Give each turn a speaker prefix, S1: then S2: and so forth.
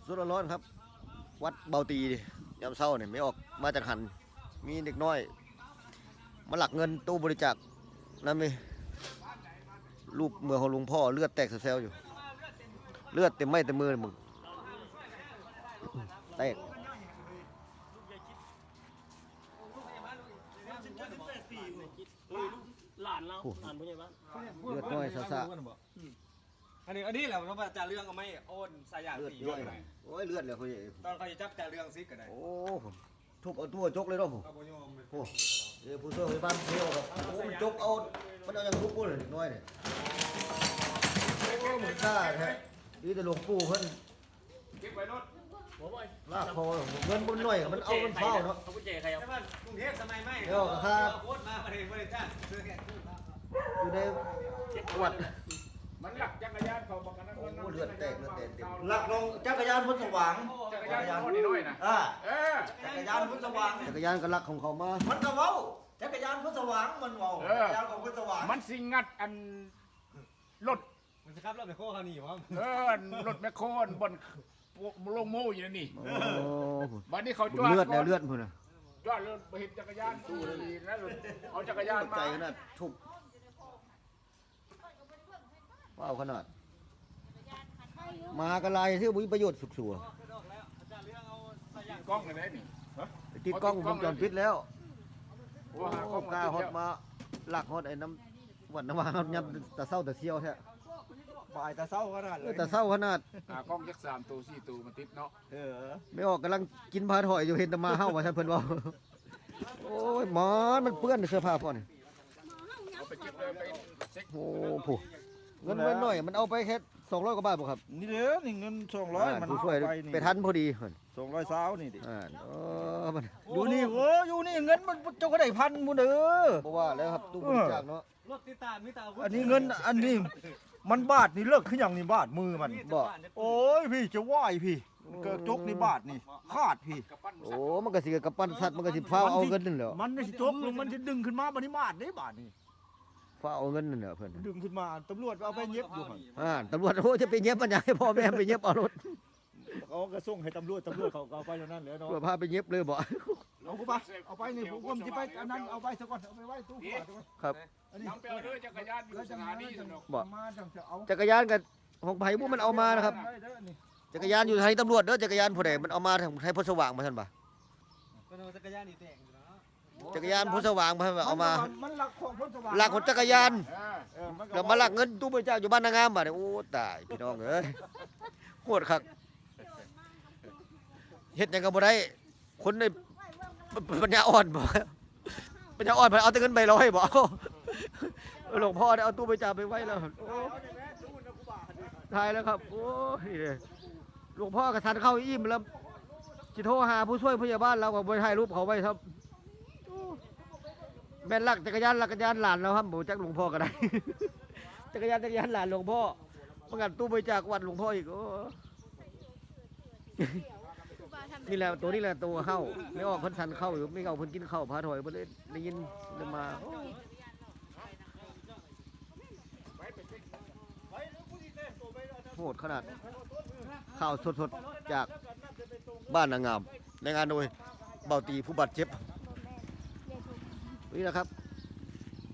S1: สดร้อนๆครับ วัดเบาตียามเช้าเนี่ยไม่ออกมาจากหันมีเด็กน้อยมาหลักเงินตู้บริจาคนั่นไหมรูปเมือของหลวงพ่อเลือดแตกเซลล์อยู่เลือดเต็มไม้เต็มมือเลยมึงแตก
S2: หลานเราหลานผู้ใหญ่บ้าน
S1: เลือดน้อยซา
S3: อันนี้แหละเราจ่าเรื่องก็ไม่โอนสายยา
S1: เลือด
S3: ตี
S1: น้อยโอ้ยเลือดเลยเขา
S3: ตอนเขาจะจับจ่าเรื่องซิกก็ได้
S1: โอ้ผมทุบเอาตัวจกเลยเนาะผม
S3: เอาไปโยม
S1: โอ้เดี๋ยวผู้ช่วยบ้านเที่ยวครับโอ้มันจกเอามันเอาอย่างทุบกูเลยน้อยเนี่ยโอ้เหมือนซ่าแท้ดีแต่หลวงปู่เพิ่น
S3: เก็บไว้รถ
S1: ลากคอเงินบนหน่อยมันเอามันเฝ้าเนาะ
S2: เขาผู้ใหญ่ใครเอา
S3: ใช่ป่ะกรุงเทพสมัยไม่โคตรมาประเทศบริษัทซื้อแค่
S1: อยู่ในวัด
S4: มันหลักจักรยานเขาบอกกันนะ
S1: โอ้เลือดแตกเลือดแตกเต็ม
S5: หลักลงจักรยานพุทธสว่าง
S4: จักรยานคนน้อยนะ
S5: อ่า
S4: เออ
S5: จักรยานพุทธสว่าง
S1: จักรยานก็ลักของเขามา
S5: มันก็เว้าจักรยานพุทธสว่างมันเว้าจักรยานของพุทธสว่าง
S4: มันสิงัดอันรถ
S3: มันจะขับรถไปโค้เขาหนีวะ
S4: รถแมคโครบนลงโม่อยู่นี่
S1: โอ้
S4: บัดนี้เขาจอด
S1: เลือดแล้วเลือดพุ่นน่ะ
S4: จอดรถไปเห็นจักรยานตู้ดีนะเอาจักรยาน
S1: ใจ
S4: มา
S1: ขนาดทุบว้าวขนาดมากระไรที่มีประโยชน์สุกสัว
S4: กล้องอะไรนี่
S1: ติดกล้องวงจรปิดแล้ว
S4: โอ้
S1: โอ้
S4: หากล้อง
S1: กล้าฮอดมาหลักฮอดไอ้น้ำวันน้ำวางยับแต่เศร้าแต่เซียวแท้
S5: บ่ายตาเศร้าขนาดเลย
S1: แต่เศร้าขนาด
S4: หากล้องยักษ์3 ตัว 4 ตัวมันติดเนาะ
S1: ไม่ออกกำลังกินพาถอยอยู่เห็นแต่มาเฮ้าว่าท่านเพิ่นว่าโอ้ยหมอนมันเปื้อนเสื้อผ้าพ่อนี่
S4: เอาไปเก็บเลยไปเช็ค
S1: โอ้โหเงินไว้หน่อยมันเอาไปแค่200กว่าบาทบ่ครับ
S5: นี่เด้อนี่เงิน200มัน
S1: ผู้ช่วย
S5: ไปนี่
S1: ไปทันพอดีเพิ่น
S5: 200สาวนี่ดิ
S1: มัน
S5: อยู่นี่โอ้อยู่นี่เงินมันเจ้าก็ได้พันหมู่เด้อ
S1: บ่ว่าแล้วครับตู้บริจาคเนาะ
S3: รถติดตามมิตา
S5: อันนี้เงินอันนี้มันบาทนี่เลิกขึ้นอย่างนี้บาทมือมัน
S1: บ่
S5: โอ้ยพี่จะไหวพี่เกิดจกนี่บาทนี่ขาดพี่
S4: กับปั้น
S1: โอ้มันก็สิกับปั้นสัตว์มันก็สิพาเอาเงินนั่นแหละ
S5: มันนี่สิจกลงมันสิดึงขึ้นมาบัดนี้บาทนี่บาทนี่
S1: พาเอาเงินนั่นแหละเพิ่น
S5: ดึงขึ้นมาตำรวจเอาไปเย็บอยู่หั่น
S1: ตำรวจโอ้จะไปเย็บมันอยากให้พ่อแม่ไปเย็บเอารถ
S5: เขาก็ส่งให้ตำรวจเขาเอาไปอย่างนั้นเลยเนาะ
S1: เพื่อพาไปเย็บเลยบ่
S5: เอากูไปเอาไปนี่ผมจะไปอันนั้นเอาไปซะก่อนเอาไปไว้ตู้ก่อน
S1: ครับ
S5: อันนี้
S4: น้ำเปลวด้วยจักรยานอยู่สถานีสนุก
S1: บ่
S5: มาจังจะเอา
S1: จักรยานกับของไผผู้มันเอามานะครับ
S5: ได้เด้อนี่
S1: จักรยานอยู่ทางตำรวจเด้อจักรยานผู้ใดมันเอามาทางไทยพลสว่างมาท่านบ่
S3: ก็โดนจักรยานนี่แตกอยู่แล้ว
S1: จักรยานพลสว่างมาเอามา
S5: มันหลักของพ้นสว่าง
S1: หลักของจักรยาน
S5: มันก็
S1: แล้วมาหลักเงินตู้บริจาคอยู่บ้านนางงามบ่เนี่ยโอ้ตายพี่น้องเอ้ยโคตรคักเฮ็ดหยังก็บ่ได้คนในปัญญาอ่อนบ่ปัญญาอ่อนเพิ่นเอาแต่เงินใบร้อยบ่เอาหลวงพ่อได้เอาตู้บริจาคไปไว้แล้วโอ้ทายแล้วครับโอ้ยหลวงพ่อกระทันเข้าอิ่มแล้วสิโทรหาผู้ช่วยพยาบาลเราก็บ่ถ่ายรูปเขาไว้ครับโอ้แม่นลักจักรยานหลานแล้วครับบ่จักหลวงพ่อก็ได้ จักรยานหลานหลวงพ่อประกาศตู้บริจาควัดหลวงพ่ออีกโอ้นี่แหละตัวนี้แหละตัวเข้าไม่ออกเพิ่นสันเข้าอยู่ไม่เอาเพิ่นกินข้าวพาถอยเพิ่นเลยได้ยินเลยมาโหดขนาดข่าวสดๆจากบ้านนางงามในงานโดยเบาตีผู้บาดเจ็บนี่นะครับ